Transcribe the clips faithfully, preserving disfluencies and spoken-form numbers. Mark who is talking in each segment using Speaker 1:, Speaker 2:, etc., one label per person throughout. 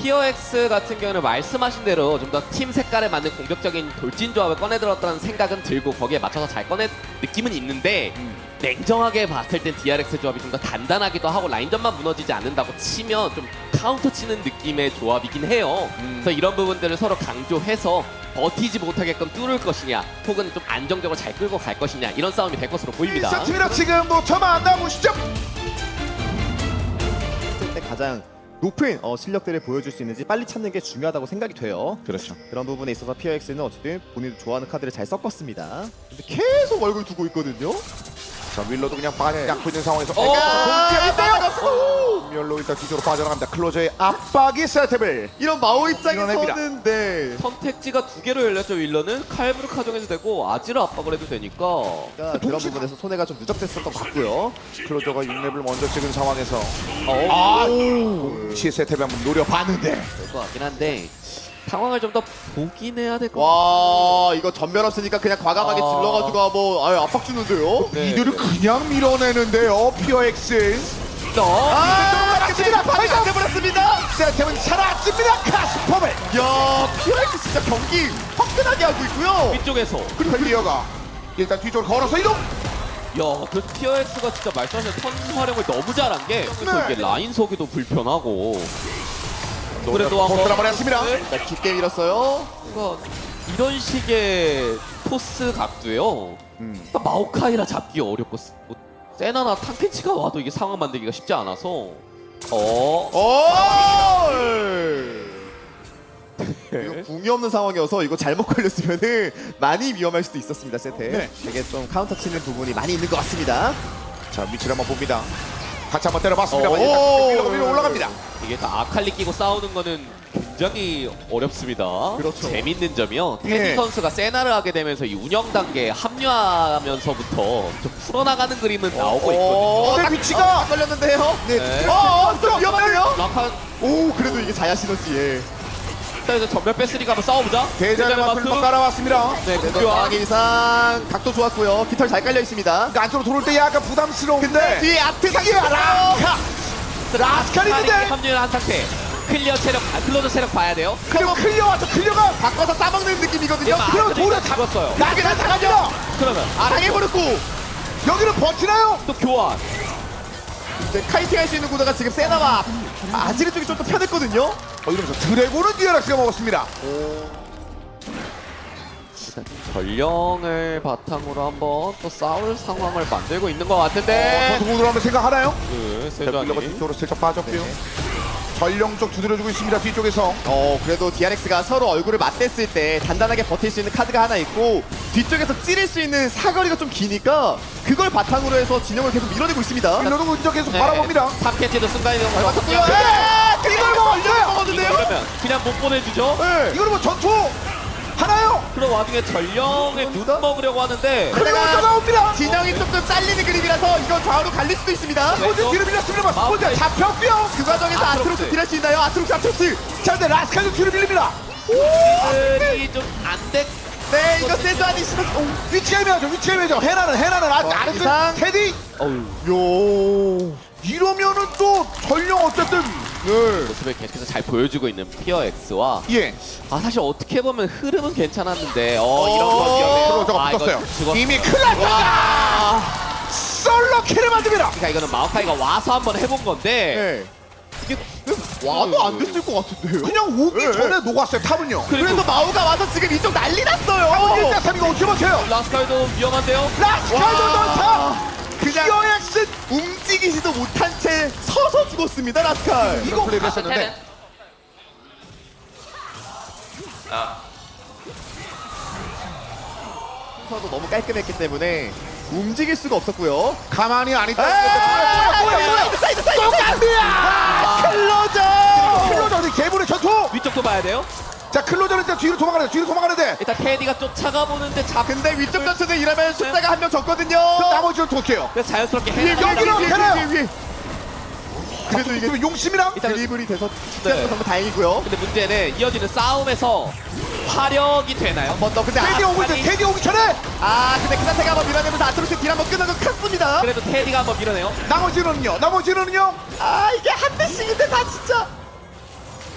Speaker 1: 피어엑스 같은 경우는 말씀하신 대로 좀 더 팀 색깔에 맞는 공격적인 돌진 조합을 꺼내들었다는 생각은 들고 거기에 맞춰서 잘 꺼낸 느낌은 있는데
Speaker 2: 음.
Speaker 1: 냉정하게 봤을 땐 디알엑스 조합이 좀 더 단단하기도 하고 라인전만 무너지지 않는다고 치면 좀 카운터 치는 느낌의 조합이긴 해요.
Speaker 2: 음.
Speaker 1: 그래서 이런 부분들을 서로 강조해서 버티지 못하게끔 뚫을 것이냐 혹은 좀 안정적으로 잘 끌고 갈 것이냐 이런 싸움이 될 것으로 보입니다.
Speaker 2: 일 세트입니다. 지금도 저만 안 나오시죠?
Speaker 3: 했을 때 가장 높은 어, 실력들을 보여줄 수 있는지 빨리 찾는 게 중요하다고 생각이 돼요.
Speaker 2: 그렇죠.
Speaker 3: 그런 부분에 있어서 피어엑스는 어쨌든 본인도 좋아하는 카드를 잘 섞었습니다. 근데 계속 얼굴 두고 있거든요.
Speaker 2: 자 윌러도 그냥 빠져 잡고 있는 상황에서
Speaker 1: 어,
Speaker 2: 공격인데요. 멸로 일단 뒤쪽으로 빠져나갑니다. 클로저의 압박이 세트를
Speaker 3: 이런 마오
Speaker 2: 밀어냅니다.
Speaker 3: 입장에서는 네.
Speaker 1: 선택지가 두 개로 열렸죠. 윌러는 칼브르 카정해도 되고 아지를 압박을 해도 되니까
Speaker 3: 그러니까 그런 부분에서 손해가 좀 누적됐었던 것 같고요.
Speaker 2: 클로저가 육 렙을 먼저 찍은 상황에서
Speaker 1: 어,
Speaker 2: 아 동시에 세트를 한번 노려봤는데
Speaker 1: 될 것 같긴 한데 상황을 좀 더 보긴 해야 될 것 같아요.
Speaker 3: 와 이거 전멸 없으니까 그냥 과감하게
Speaker 1: 아.
Speaker 3: 질러가지고 뭐 아유 압박 주는데요.
Speaker 1: 네,
Speaker 2: 이들을
Speaker 1: 네.
Speaker 2: 그냥 밀어내는데요. 피어엑스
Speaker 3: 아 맞습니다. 파이안 돼버렸습니다.
Speaker 2: 세트는 사라집니다. 카스퍼벨
Speaker 3: 야 피어엑스 진짜 경기 화끈하게 하고 있고요.
Speaker 1: 위쪽에서
Speaker 2: 그리고 클리어가 일단 뒤쪽으로 걸어서 이동.
Speaker 1: 야 그래서 피어엑스가 진짜 말씀하신 턴 활용을 너무 잘한 게 그래서
Speaker 2: 네.
Speaker 1: 이게 라인 서기도 불편하고 그래도 한번
Speaker 2: 한번 했습니다.
Speaker 3: 자 깊게 밀었어요.
Speaker 1: 뭔가 이런 식의 토스 각도요.
Speaker 2: 음.
Speaker 1: 그러니까 마오카이라 잡기 어렵고 스- 뭐 세나나 탕켄치가 와도 이게 상황 만들기가 쉽지 않아서 어
Speaker 3: 오! 이거 궁이 없는 상황이어서 이거 잘못 걸렸으면은 많이 위험할 수도 있었습니다. 세트.
Speaker 2: 네.
Speaker 3: 되게 좀 카운터 치는 부분이 많이 있는 것 같습니다.
Speaker 2: 자 위치를 한번 봅니다. 같이 한번 때려봤습니다.
Speaker 3: 오!
Speaker 2: 위로 위로 올라갑니다.
Speaker 1: 이게 다 아칼리 끼고 싸우는 거는 굉장히 어렵습니다.
Speaker 3: 그렇죠.
Speaker 1: 재밌는 점이요.
Speaker 2: 예.
Speaker 1: 테디 선수가 세나를 하게 되면서 이 운영 단계에 합류하면서부터 좀 풀어나가는 그림은 나오고 있거든요.
Speaker 3: 어,
Speaker 2: 딱 위치가
Speaker 3: 딱 걸렸는데요.
Speaker 2: 네.
Speaker 3: 어, 어, 좀 위험해요.
Speaker 1: 락한
Speaker 3: 오, 그래도 이게 자야 시너지에.
Speaker 1: 일단 전멸 뺐으니까 한번 싸워보자.
Speaker 2: 대전의 마크를 막 깔아왔습니다.
Speaker 1: 네,
Speaker 3: 그래도
Speaker 1: 공교환.
Speaker 3: 상황 이상 각도 좋았고요. 깃털 잘 깔려 있습니다.
Speaker 2: 그러니까 안쪽으로 들어올 때 약간 부담스러운데
Speaker 3: 근데 뒤에 아트
Speaker 2: 이게
Speaker 3: 상이야.
Speaker 2: 라카 라스칼이 있는데
Speaker 1: 합류를 한 상태. 클리어 체력, 아, 클로저 체력 봐야 돼요.
Speaker 2: 그리고 클리어 와서 클리어가
Speaker 3: 바꿔서 싸먹는 느낌이거든요.
Speaker 1: 막
Speaker 2: 그럼
Speaker 1: 아들이
Speaker 2: 도려
Speaker 1: 일단 죽었어요.
Speaker 2: 나게 나타갑니다.
Speaker 1: 그러면
Speaker 3: 아, 당해버렸고.
Speaker 2: 여기는 버티나요?
Speaker 1: 또 교환.
Speaker 3: 이제 카이팅 할 수 있는 구도가 지금 세나와 아지르 쪽이 좀 더 편했거든요.
Speaker 2: 어 이러면서 드래곤은 디아락스가 먹었습니다.
Speaker 1: 일단 전령을 바탕으로 한번 또 싸울 상황을 만들고 있는 것
Speaker 2: 어,
Speaker 1: 같은데.
Speaker 2: 선수 모드로 한번 생각하나요?
Speaker 1: 네,
Speaker 2: 빌러가
Speaker 1: 세주안이.
Speaker 2: 뒤쪽으로 슬쩍 빠졌고요.
Speaker 3: 네.
Speaker 2: 전령 쪽 두드려주고 있습니다. 뒤쪽에서
Speaker 3: 어 그래도 디알엑스가 서로 얼굴을 맞댔을 때 단단하게 버틸 수 있는 카드가 하나 있고 뒤쪽에서 찌를 수 있는 사거리가 좀 기니까 그걸 바탕으로 해서 진영을 계속 밀어내고 있습니다.
Speaker 2: 빌러도 운전 계속
Speaker 1: 네.
Speaker 2: 바라봅니다.
Speaker 1: 탑캐치도 순간이동
Speaker 3: 맞췄고요.
Speaker 1: 그냥
Speaker 3: 네! 이걸 먹었어요. 먹었는데요.
Speaker 1: 그러면 그냥 못 보내주죠.
Speaker 3: 네.
Speaker 2: 이거는 뭐 전투 하나요?
Speaker 1: 그런 와중에 전령을 눈 먹으려고 하는데
Speaker 2: 클리어가 나옵니다.
Speaker 3: 진영이 조금 잘리는 그림이라서 이거 좌우로 갈릴 수도 있습니다.
Speaker 1: 네.
Speaker 2: 먼저 뒤로 밀렸습니다.
Speaker 1: 마우스.
Speaker 2: 먼저 잡혔고요.
Speaker 3: 그 과정에서
Speaker 1: 아트록스.
Speaker 3: 아트록스 딜할 수 있나요? 아트록스 아트록스.
Speaker 2: 자 근데 라스칼도 뒤로 밀립니다.
Speaker 1: 들이 좀안 돼.
Speaker 3: 네 이거 세주안이 싫어.
Speaker 2: 위치가 애매하죠. 위치가 애매하죠. 해나는 해나는 아직
Speaker 3: 어,
Speaker 2: 아래쪽
Speaker 3: 이상.
Speaker 2: 테디.
Speaker 1: 어우.
Speaker 2: 요 이러면은 또 전령 어쨌든 네.
Speaker 1: 모습을 계속해서 잘 보여주고 있는 피어엑스와
Speaker 2: 예.
Speaker 1: 아 사실 어떻게 보면 흐름은 괜찮았는데 어
Speaker 2: 어,
Speaker 1: 이런 거 위험해요.
Speaker 2: 저거
Speaker 1: 아, 이거
Speaker 2: 붙었어요.
Speaker 1: 죽었-
Speaker 2: 이미 큰일 났다. 솔로 킬을 만듭니다.
Speaker 1: 그러니까 이거는 마오카이가 와서 한번 해본 건데
Speaker 3: 네.
Speaker 1: 이게
Speaker 3: 와도 안 됐을 것 같은데요.
Speaker 2: 그냥 오기
Speaker 3: 네.
Speaker 2: 전에 녹았어요. 탑은요.
Speaker 3: 그래서 마우가 와서 지금 이쪽 난리 났어요.
Speaker 2: 일 대 삼 이거 어떻게 버텨요?
Speaker 1: 라스칼도 위험한데요.
Speaker 2: 라스칼도 넣다.
Speaker 3: 그냥
Speaker 2: 피어엑스
Speaker 3: 움직이지도 못한 채 서서 죽었습니다 라스칼.
Speaker 2: 이거 플레이를 했었는데
Speaker 3: 서도 너무 깔끔했기 때문에 움직일 수가 없었고요.
Speaker 2: 가만히 안 있다.
Speaker 3: 아,
Speaker 2: 뭐야 뭐야 뭐야.
Speaker 3: 사이드 사이드 사이드.
Speaker 2: 똑같이야.
Speaker 3: 클로저.
Speaker 2: 클로저 어디 개불의 전투.
Speaker 1: 위쪽도 봐야 돼요.
Speaker 2: 자 클로저는 일단 뒤로 도망가는데 뒤로 도망가는데
Speaker 1: 일단 테디가 쫓아가 보는데 잡.
Speaker 3: 근데 위쪽 전투는 이러면 숫자가 한 명 적거든요.
Speaker 2: 나머지는 어떻게 해요?
Speaker 1: 그래서 자연스럽게
Speaker 2: 여기로
Speaker 1: 해나가려고
Speaker 2: 위에,
Speaker 3: 위에, 위에, 위에.
Speaker 2: 그래도 이게 용심이랑
Speaker 1: 일단
Speaker 3: 드리블이 돼서
Speaker 1: 네.
Speaker 3: 네. 정말 다행이고요.
Speaker 1: 근데 문제는 이어지는 싸움에서 화력이 되나요?
Speaker 3: 한 번 더. 근데
Speaker 2: 테디
Speaker 3: 아,
Speaker 2: 오고 있어. 테디 오기 전에
Speaker 3: 아 근데 그 상태가 한번 밀어내면서 아트록스 딜 한번 끝나고 컸습니다.
Speaker 1: 그래도 테디가 한번 밀어내요.
Speaker 2: 나머지는요. 나머지는요.
Speaker 3: 아 이게 한 대씩인데 다 진짜.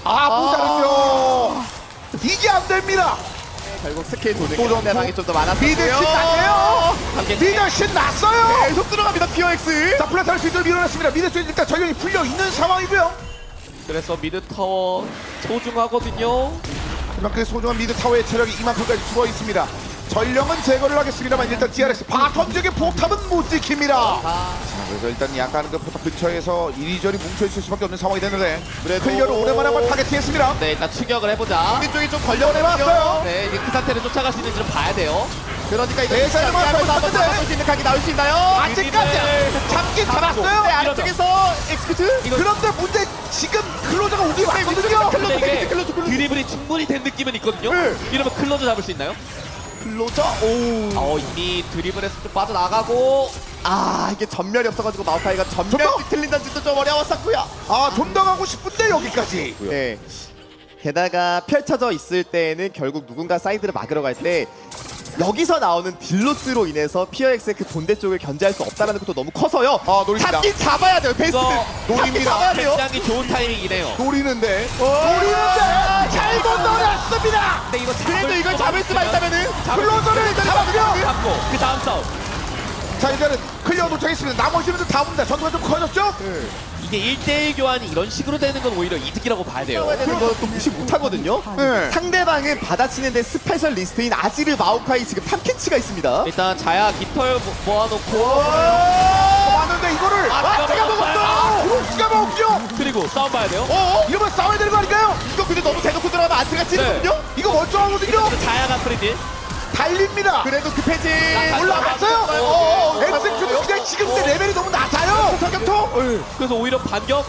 Speaker 2: 아 모자른요. 이게 안 됩니다.
Speaker 3: 결국 스킬 도는
Speaker 2: 또
Speaker 3: 상대방이 좀 더 많았어요.
Speaker 2: 미드 신났네요. 미드 신났어요.
Speaker 3: 계속 들어갑니다. 피어엑스.
Speaker 2: 자 플라타를 뒤로 밀어냈습니다. 미드 쪽 일단 전력이 풀려 있는 상황이고요.
Speaker 1: 그래서 미드 타워 소중하거든요.
Speaker 2: 하지만 그 소중한 미드 타워의 체력이 이만큼까지 죽어 있습니다. 전령은 제거를 하겠습니다만 일단 디알엑스 바텀 지역의 포탑은 못 지킵니다.
Speaker 1: 아,
Speaker 2: 자, 그래서 일단 약간 그 포탑 근처에서 이리저리 뭉쳐있을 수밖에 없는 상황이 됐는데
Speaker 3: 그래도-
Speaker 2: 클리어를 오랜만에 한번 타겟팅했습니다.
Speaker 1: 네, 일단 추격을 해보자.
Speaker 3: 우리 쪽이 좀
Speaker 2: 걸려내봤어요.
Speaker 3: 걸려내봤어요.
Speaker 1: 네, 이제 그 상태를 쫓아갈 수 있는지를 봐야 돼요.
Speaker 3: 그러니까 이거
Speaker 2: 네, 잘
Speaker 3: 하면서 한번
Speaker 2: 맞았는데.
Speaker 3: 잡을 수 있는 각이 나올 수 있나요?
Speaker 2: 아직까지 잡긴 잡았어요.
Speaker 3: 네, 아래쪽에서 엑스큐트.
Speaker 2: 그런데 문제 지금 클로저가 오기 왔거든요.
Speaker 1: 근데 이게
Speaker 3: 클로저, 클로저.
Speaker 1: 드리블이 충분히 된 느낌은 있거든요.
Speaker 3: 네.
Speaker 1: 이러면 클로저 잡을 수 있나요?
Speaker 3: 클로저. 오.
Speaker 1: 어, 이미 드리블에서 좀 빠져나가고.
Speaker 3: 아 이게 전멸이 없어가지고 마오카이가 전멸
Speaker 2: 전멸?
Speaker 3: 뒤틀린다는 짓도 좀 어려웠었고요.
Speaker 2: 아, 좀 더 가고 싶은데 여기까지.
Speaker 3: 네. 게다가 펼쳐져 있을 때는 결국 누군가 사이드를 막으러 갈 때 여기서 나오는 딜로스로 인해서 피어엑스의 그 본대 쪽을 견제할 수 없다는 것도 너무 커서요.
Speaker 2: 아, 노립니다.
Speaker 3: 잡긴 잡아야 돼요. 베스트.
Speaker 1: 이거
Speaker 3: 잡긴
Speaker 2: 노립니다.
Speaker 3: 잡아야 돼요.
Speaker 1: 굉장히 좋은 타이밍이네요.
Speaker 2: 노리는데
Speaker 3: 어.
Speaker 2: 노리는데 잘못 노렸습니다.
Speaker 1: 근데 이거 잡을
Speaker 3: 그래도 이걸 잡을 수만 있다면은
Speaker 2: 클로저를 잡았고요.
Speaker 1: 잡고 그 다음 싸움.
Speaker 2: 자 이제는 클리어 도착했습니다. 나머지는 다 옵니다. 전투가 좀 커졌죠?
Speaker 1: 이게 일 대일 교환이 이런 식으로 되는 건 오히려 이득이라고 봐야 돼요.
Speaker 3: 싸워야 되는 것도 무시 못하거든요.
Speaker 2: 네.
Speaker 3: 상대방은 받아치는데 스페셜 리스트인 아지르 마오카이 지금 탐켄치가 있습니다.
Speaker 1: 일단 자야 깃털 모- 모아놓고
Speaker 2: 왔는데 이거를
Speaker 3: 아, 제가 먹었어!
Speaker 2: 브룩스가 먹죠.
Speaker 1: 그리고 싸움 봐야 돼요.
Speaker 3: 어?
Speaker 2: 이러면 싸워야 되는 거 아닐까요?
Speaker 3: 이거 근데 너무 대놓고 들어가면 아지르가 찌르거든요?
Speaker 2: 이거 멀쩡하거든요.
Speaker 1: 자야가 프리딜.
Speaker 2: 달립니다.
Speaker 3: 그래도 그 패지
Speaker 2: 올라갔어요.
Speaker 3: 어,
Speaker 2: 엑스큐트 그냥 지금 때 레벨이 너무 낮아요. 사격통.
Speaker 1: 그래서 오히려 반격.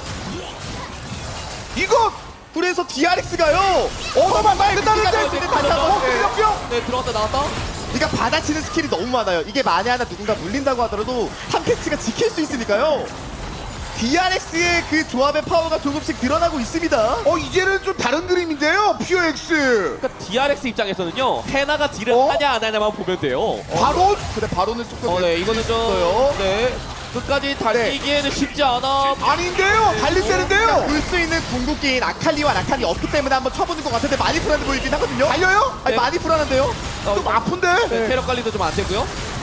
Speaker 2: 이거
Speaker 3: 그래서 디알엑스가요.
Speaker 2: 얻어만 끝나는데
Speaker 3: 네.
Speaker 2: 어,
Speaker 1: 네, 들어갔다 나왔다.
Speaker 3: 그러니까 받아치는 스킬이 너무 많아요. 이게 만에 하나 누군가 물린다고 하더라도 탐캐치가 지킬 수 있으니까요. 디알엑스의 그 조합의 파워가 조금씩 드러나고 있습니다.
Speaker 2: 어 이제는 좀 다른 그림인데요. 피오엑스
Speaker 1: 그러니까 디알엑스 입장에서는요. 헤나가 딜을
Speaker 2: 어?
Speaker 1: 하냐 안 하냐만 보면 돼요.
Speaker 2: 바로
Speaker 3: 근데 바로는 조금
Speaker 1: 어, 네, 이거는 좀
Speaker 3: 있어요.
Speaker 1: 네. 끝까지 달리기에는 쉽지 않아.
Speaker 2: 아닌데요. 달린다는데요.
Speaker 3: 볼수 있는 궁극기인 아칼리와 라칸이 없기 때문에 한번 쳐보는 것 같은데 많이 불안해 보이긴 하거든요.
Speaker 2: 달려요?
Speaker 3: 아니
Speaker 1: 네.
Speaker 3: 많이 불안한데요?
Speaker 2: 좀 아픈데.
Speaker 1: 네, 체력 관리도 좀 안 되고요.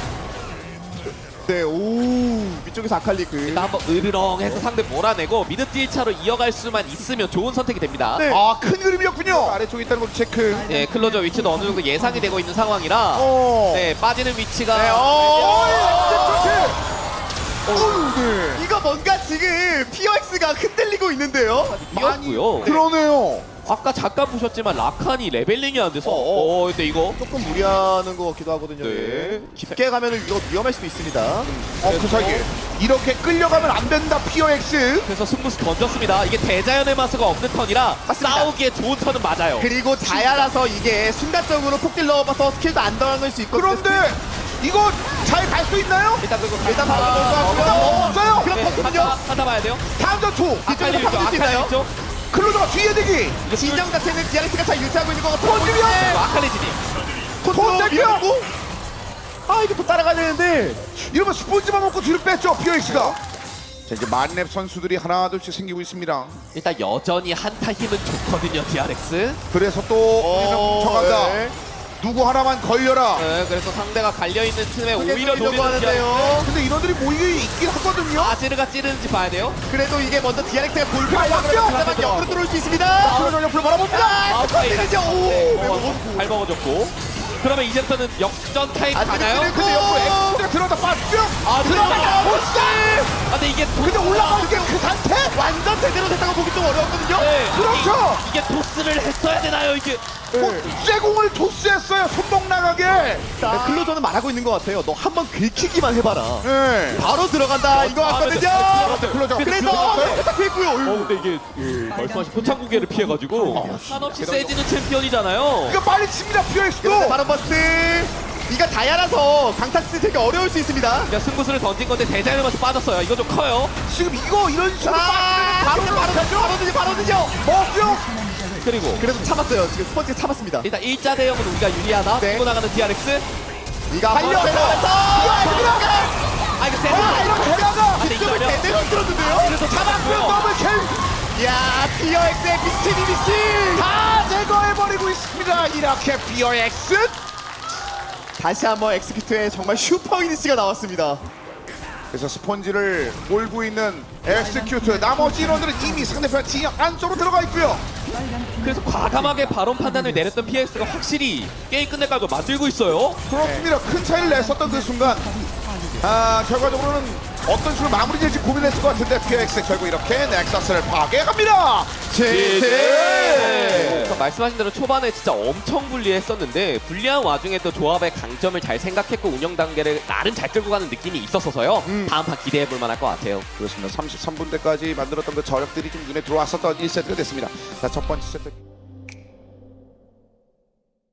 Speaker 3: 네, 오 위쪽에서 아칼리 그
Speaker 1: 일단 한번 으르렁해서 상대 몰아내고 미드 딜 차로 이어갈 수만 있으면 좋은 선택이 됩니다.
Speaker 3: 네.
Speaker 2: 아 큰 그림이었군요. 아래쪽에 있다는 것도 체크.
Speaker 1: 예, 클로저 위치도 어느 정도 예상이 되고 있는 상황이라
Speaker 2: 어.
Speaker 1: 네, 빠지는 위치가
Speaker 3: 네, 어.
Speaker 2: 어. 어우, 네.
Speaker 3: 이거 뭔가 지금 피어엑스가 흔들리고 있는데요.
Speaker 1: 뛰었고요.
Speaker 2: 그러네요.
Speaker 1: 아까 잠깐 보셨지만 라칸이 레벨링이 안 돼서
Speaker 3: 어, 어.
Speaker 1: 어, 근데 이거
Speaker 3: 조금 무리하는 것 같기도 하거든요.
Speaker 1: 네.
Speaker 3: 예. 깊게 가면은 이거 위험할 수도 있습니다.
Speaker 2: 어, 그 사이에 이렇게 끌려가면 안 된다. 피오엑스.
Speaker 1: 그래서 승부수 던졌습니다. 이게 대자연의 마스가 없는 턴이라
Speaker 3: 맞습니다.
Speaker 1: 싸우기에 좋은 턴은 맞아요.
Speaker 3: 그리고 자야라서 이게 순간적으로 폭딜 넣어봐서 스킬도 안 당할 수 있거든요.
Speaker 2: 그런데 이거 잘 갈 수 있나요?
Speaker 1: 일단 그거
Speaker 3: 일단
Speaker 1: 가-
Speaker 3: 바로
Speaker 1: 가-
Speaker 3: 넣을 것
Speaker 2: 일단
Speaker 3: 같고요.
Speaker 2: 먹었어요.
Speaker 3: 그럼
Speaker 1: 네,
Speaker 3: 버튼요.
Speaker 1: 하다, 하다 봐야 돼요.
Speaker 2: 다음 전투.
Speaker 1: 아칼리
Speaker 3: 뒤쪽으로
Speaker 1: 위쪽,
Speaker 3: 바꿀 수
Speaker 1: 아칼리
Speaker 3: 있나요?
Speaker 1: 위쪽.
Speaker 2: 클로저가 뒤에 대기.
Speaker 3: 진영 자체는 디알엑스가 잘 유지하고 있는 것 같아요.
Speaker 2: 던지면
Speaker 1: 그리고 아칼리 진입.
Speaker 2: 돈 땡겨.
Speaker 3: 밀고. 아 이거 또 따라가야 되는데.
Speaker 2: 이러면 스폰지만 먹고 뒤로 뺐죠. 피오엑스가. 자 이제 만렙 선수들이 하나 둘씩 생기고 있습니다.
Speaker 1: 일단 여전히 한타 힘은 좋거든요, 디알엑스.
Speaker 2: 그래서 또 뭉쳐간다.
Speaker 3: 네.
Speaker 2: 누구 하나만 걸려라.
Speaker 1: 네, 그래서 상대가 갈려있는 틈에 오히려
Speaker 3: 노리려고
Speaker 1: 노리는 디알엑스.
Speaker 3: 하는데요.
Speaker 2: 근데 인원들이 모이게 있긴 하거든요.
Speaker 1: 아지르가 찌르는지 봐야 돼요.
Speaker 3: 그래도 이게 먼저 디알엑스가 골프
Speaker 2: 그래,
Speaker 3: 하려고
Speaker 2: 맞죠?
Speaker 3: 하면 역으로 들어올 수 있습니다.
Speaker 2: 클로저 옆으로 바라봅니다.
Speaker 3: 아, 스커트는요. 오,
Speaker 1: 네,
Speaker 3: 매우
Speaker 1: 어, 잘 먹어줬고. 그러면 이제부터는 역전 타임
Speaker 3: 아지르
Speaker 1: 가나요?
Speaker 3: 찌르고.
Speaker 2: 근데 옆으로 엑스가 들어갔다 빠져.
Speaker 1: 아,
Speaker 2: 들어가다 보스.
Speaker 1: 아, 근데 이게 도...
Speaker 2: 근데 올라가는 게 그 상태?
Speaker 3: 완전 제대로 됐다고 보기 좀 어려웠거든요.
Speaker 1: 네,
Speaker 2: 그렇죠.
Speaker 1: 이게, 이게 토스를 했어야 되나요, 이게?
Speaker 2: 쇠공을 토스했어요. 손목 나가게.
Speaker 3: 네, 클로저는 말하고 있는 것 같아요. 너 한번 긁히기만 해봐라.
Speaker 2: 네.
Speaker 3: 바로 들어간다 이거 같거든요.
Speaker 2: 클로저.
Speaker 3: 그래서 딱 했고요.
Speaker 1: 어, 근데 이게 예, 말씀하신 포창구개를 피해가지고 한없이 세지는 챔피언이잖아요.
Speaker 2: 이거 빨리 칩니다. 피오엑스도.
Speaker 3: 그런데 바로 버스트. 이거 다야라서 강타스 되게 어려울 수 있습니다.
Speaker 1: 그러니까 승부수를 던진 건데 대자연의 맛이 빠졌어요. 이거 좀 커요.
Speaker 2: 지금 이거 이런 식으로
Speaker 3: 아,
Speaker 2: 빠지면
Speaker 3: 바로
Speaker 2: 바로
Speaker 3: 바로 바로든요 바로든요.
Speaker 2: 먹죠.
Speaker 1: 그리고
Speaker 3: 그래도 참았어요. 지금 스펀지가 참았습니다.
Speaker 1: 일단 일자 대형은 우리가 유리하다.
Speaker 3: 네.
Speaker 1: 밀고 나가는 디알엑스.
Speaker 3: 이거 한번
Speaker 2: 달려,
Speaker 3: 들어가서
Speaker 1: 아, 이거
Speaker 2: 아,
Speaker 1: 세다.
Speaker 2: 이렇게 해다가
Speaker 1: 근데
Speaker 3: 뒤쪽을
Speaker 1: 이거요?
Speaker 3: 제대로 들었는데요.
Speaker 1: 그래서
Speaker 2: 잡았고요.
Speaker 1: 잡았고요.
Speaker 2: 더블 킬.
Speaker 3: 야 피어엑스의 미친 이미지
Speaker 2: 다 제거해버리고 있습니다. 이렇게 피어엑스
Speaker 3: 다시 한번 엑스큐트의 정말 슈퍼 이니시가 나왔습니다.
Speaker 2: 그래서 스펀지를 몰고 있는 엑스큐트, 나머지 인원들은 이미 상대편 진영 안쪽으로 들어가 있고요.
Speaker 1: 그래서 과감하게 발언 판단을 내렸던 피엑스가 확실히 게임 끝낼 각을 만들고 있어요.
Speaker 2: 그렇습니다. 큰 차이를 냈었던 그 순간 아 결과적으로는 어떤 식으로 마무리 될지 고민했을 것 같은데 피어엑스 결국 이렇게 넥서스를 파괴합니다.
Speaker 1: 그러니까 말씀하신 대로 초반에 진짜 엄청 불리했었는데 불리한 와중에 또 조합의 강점을 잘 생각했고 운영 단계를 나름 잘 끌고 가는 느낌이 있었어서요.
Speaker 2: 음.
Speaker 1: 다음 판 기대해 볼 만할 것 같아요.
Speaker 2: 그렇습니다. 삼십삼 분대까지 만들었던 그 저력들이 좀 눈에 들어왔었던 일 세트가 됐습니다. 자, 첫 번째 세트.